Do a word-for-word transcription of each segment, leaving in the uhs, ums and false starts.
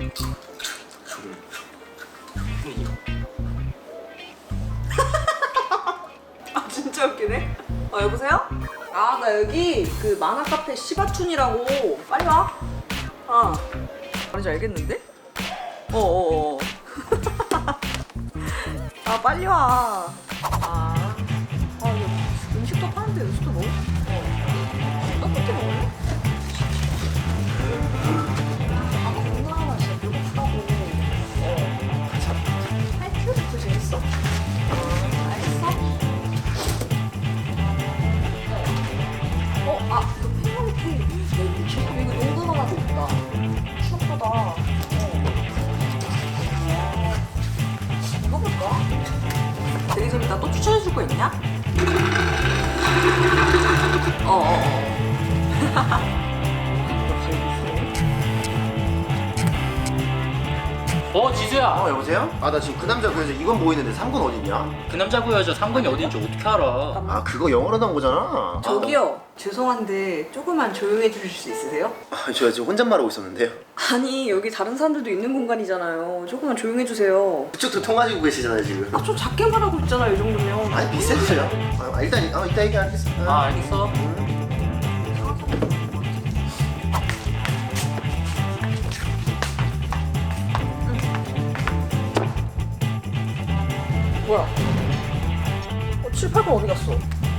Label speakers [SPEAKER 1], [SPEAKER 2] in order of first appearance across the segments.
[SPEAKER 1] 아 진짜 웃기네. 어 여보세요? 아 나 여기 그 만화 카페 시바춘이라고. 빨리 와. 어. 뭔지 알겠는데? 어어어. 아 빨리 와. 아. 아 이거 음식도 파는데 음식도 먹어? 어. 떡볶이 먹을래? 아 건강하다 진짜 배고프다고. 어. 참. 하이큐도 재밌어? 어 알겠어. 어, 아, 이거 팽이버리 이거 농구 하나도 있다. 추억보다. 어. 이거 볼까? 되게 재밌다. 또 추천해줄 거 있냐? 어어어.
[SPEAKER 2] 어 지수야.
[SPEAKER 3] 어 여보세요? 아 나 지금 그 남자 그여자 이건 보이는데 삼 군 어딨냐?
[SPEAKER 2] 그 남자 그 여자 상근이 어딘지 어떻게 알아?
[SPEAKER 3] 아 그거 영어로 나온 거잖아.
[SPEAKER 1] 저기요. 죄송한데 조금만 조용해 주실 수 있으세요?
[SPEAKER 3] 아, 저 지금 혼잣말 하고 있었는데요.
[SPEAKER 1] 아니 여기 다른 사람들도 있는 공간이잖아요. 조금만 조용해 주세요.
[SPEAKER 3] 그쪽도 통화지고 계시잖아요 지금.
[SPEAKER 1] 아 좀 작게 말하고 있잖아요 이 정도면.
[SPEAKER 3] 아니 비슷해요. 아, 일단 아, 이따 얘기하겠습니다.
[SPEAKER 2] 아 알겠어.
[SPEAKER 1] 뭐야? 어, 칠, 팔 번 어디 갔어?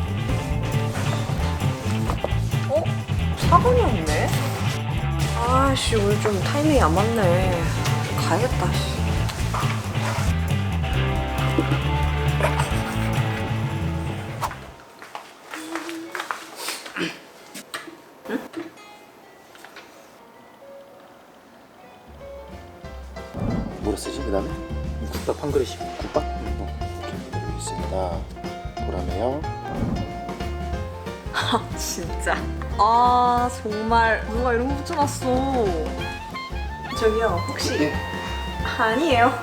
[SPEAKER 1] 어? 사 번이 없네? 아씨 오늘 좀 타이밍이 안 맞네. 가야겠다. 씨.
[SPEAKER 3] 뭐라 쓰지 그 다음에?
[SPEAKER 2] 국밥 한 그릇이.
[SPEAKER 3] 국밥? 이렇게 여기 있습니다. 보라매요.
[SPEAKER 1] 아 진짜. 아 정말 누가 이런 거 붙여놨어. 저기요 혹시
[SPEAKER 3] 네.
[SPEAKER 1] 아니에요.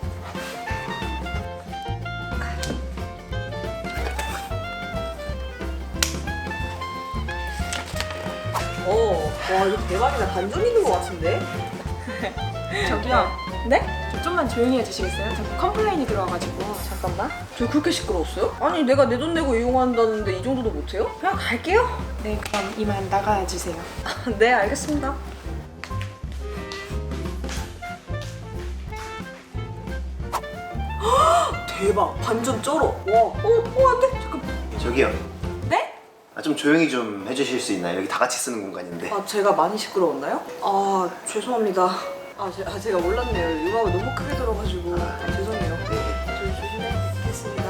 [SPEAKER 1] 오, 와 이거 대박이다. 반전 있는 것 같은데?
[SPEAKER 4] 저기요.
[SPEAKER 1] 네?
[SPEAKER 4] 저 좀만 조용히 해주시겠어요? 자꾸 컴플레인이 들어와가지고.
[SPEAKER 1] 잠깐만. 저 그렇게 시끄러웠어요? 아니 내가 내 돈 내고 이용한다는데 이 정도도 못해요? 그냥 갈게요.
[SPEAKER 4] 네, 그럼 이만 나가주세요.
[SPEAKER 1] 네 알겠습니다. 대박 반전 쩔어. 와. 어, 어 안돼. 잠깐.
[SPEAKER 3] 저기요.
[SPEAKER 1] 네?
[SPEAKER 3] 아, 좀 조용히 좀 해주실 수 있나요? 여기 다 같이 쓰는 공간인데.
[SPEAKER 1] 아 제가 많이 시끄러웠나요? 아 죄송합니다. 아, 제, 아 제가 몰랐네요. 음악을 너무 크게 들어가지고 아, 죄송해요.
[SPEAKER 3] 네.
[SPEAKER 1] 저 조심하겠습니다.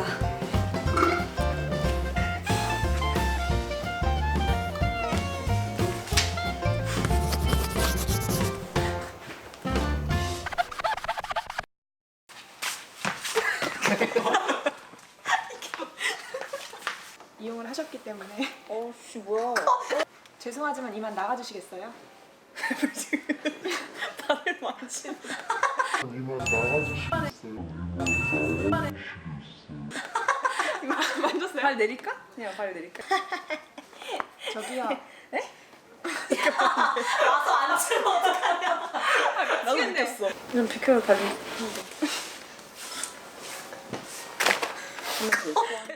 [SPEAKER 4] 이용을 하셨기 때문에.
[SPEAKER 1] 어씨 뭐야?
[SPEAKER 4] 죄송하지만 이만 나가주시겠어요?
[SPEAKER 1] 발을 만진다.
[SPEAKER 4] 만졌어요?
[SPEAKER 1] 발 내릴까? 그냥 발 내릴까?
[SPEAKER 4] 저기요.
[SPEAKER 1] 와서 앉으면 어떡하냐? 나도 느꼈어. 좀 비켜요 발이.